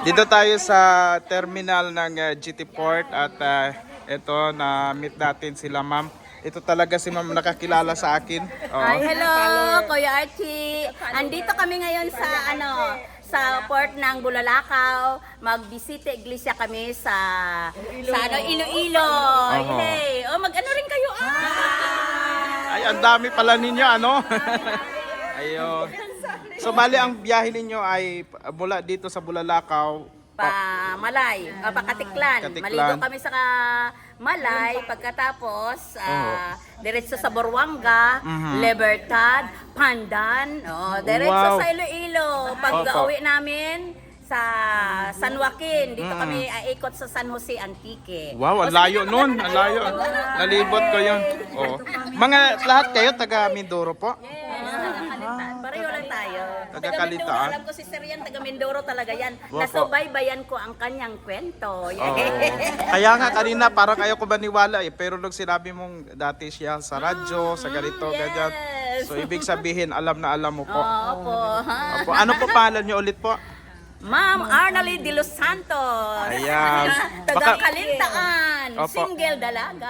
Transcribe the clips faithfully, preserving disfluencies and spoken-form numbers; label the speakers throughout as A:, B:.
A: Dito tayo sa terminal ng uh, G T Port at uh, ito na meet natin sila ma'am. Ito talaga si ma'am nakakilala sa akin. Oo.
B: Hi, hello, Kuya Archie. Andito kami ngayon sa ano sa port ng Bulalakaw. Magbisita iglesia kami sa sa ano Iloilo.
A: Oho.
B: Hey, oh mag-ano rin kayo ah.
A: Ay, ang dami pala ninyo ano. Ayun. So bali ang biyahe ninyo ay mula dito sa Bulalakaw
B: Pa Malay, ah, pa Katiklan.
A: Katiklan.
B: Maligo kami sa ka- Malay pagkatapos ah, diretso sa Borwanga,
A: Mhm.
B: Libertad, Pandan, oh, diretso
A: Wow.
B: sa Iloilo. Pag-uwi namin sa San Joaquin, dito kami aikot sa San Jose Antique.
A: Wow, ang layo nun. Ang layo. Nalibot ko yun. Oo. Mga lahat kayo taga Mindoro po?
B: Yes, taga Kalitan. Pareho lang tayo.
A: Taga
B: Taga Mindoro.
A: Kalitaan.
B: Alam ko si Sir yan, taga Mindoro talaga yan.
A: Wow po.
B: Nasubaybayan ko ang kanyang kwento.
A: Oo. Kaya nga kanina parang ayaw ko maniwala eh. Pero nung sinabi mong dati siya sa radyo, sa ganito,
B: yes.
A: ganyan. So ibig sabihin, alam na alam mo po.
B: Oo po.
A: Opo. Ano po pangalan niyo ulit po?
B: Ma'am Arnalie de los Santos.
A: Ayan.
B: Taga
A: Baka-
B: Kalintaan.
A: Opo.
B: Single dalaga.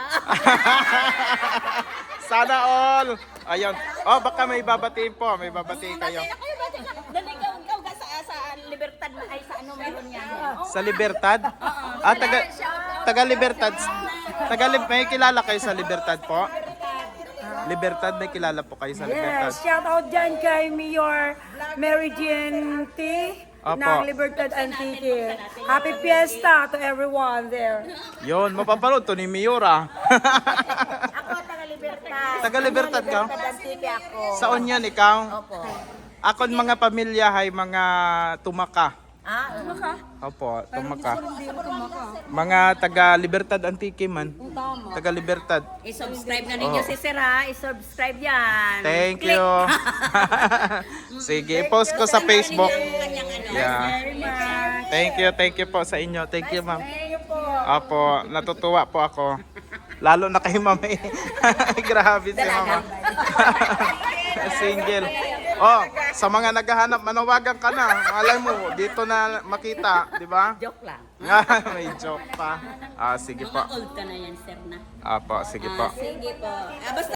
A: Sana all. Ayun. Oh, baka may babatiin po. May babatiin kayo.
B: Bakit kayo ba? Doon ikaw, ikaw ka sa, sa Libertad na ay sa ano meron yan. Oh,
A: Sa Libertad? Ah, taga taga Libertad. Taga Lib- may kilala kayo sa Libertad po? Libertad, may kilala po kayo sa Libertad.
C: Yes, shout out dyan kay Mayor Mary Jean T.
A: Opo.
C: ng Libertad Antique. Happy Fiesta to everyone there.
A: Yon, mapapanood to ni Miura.
B: ako taga Libertad.
A: Taga Libertad ka?
B: Libertad Antique ako.
A: Saan yan ikaw?
B: Opo.
A: Akon mga pamilya ay mga tumaka.
B: Ah, ano ka?
A: Opo, tumaka. Mga taga Libertad Antique man. Taga Libertad.
B: I-subscribe na ninyo
A: Oh.
B: si Sir ha. I-subscribe yan.
A: Thank
B: Click.
A: you. Sige, post ko sa Facebook.
B: Kanyang ano.
A: Yeah. Thank you, thank you po sa inyo. Thank you, ma'am. Apo, natutuwa po ako. Lalo na kay ma'am. eh. Grabe si mama. Single. Oh, sa mga naghahanap, manawagan ka na. Malay mo, dito na makita, di ba?
B: Joke lang.
A: May joke pa. Ah, sige po.
B: Old ka na yan, Sir na.
A: Apo, sige po.
B: Sige po. Ah, basta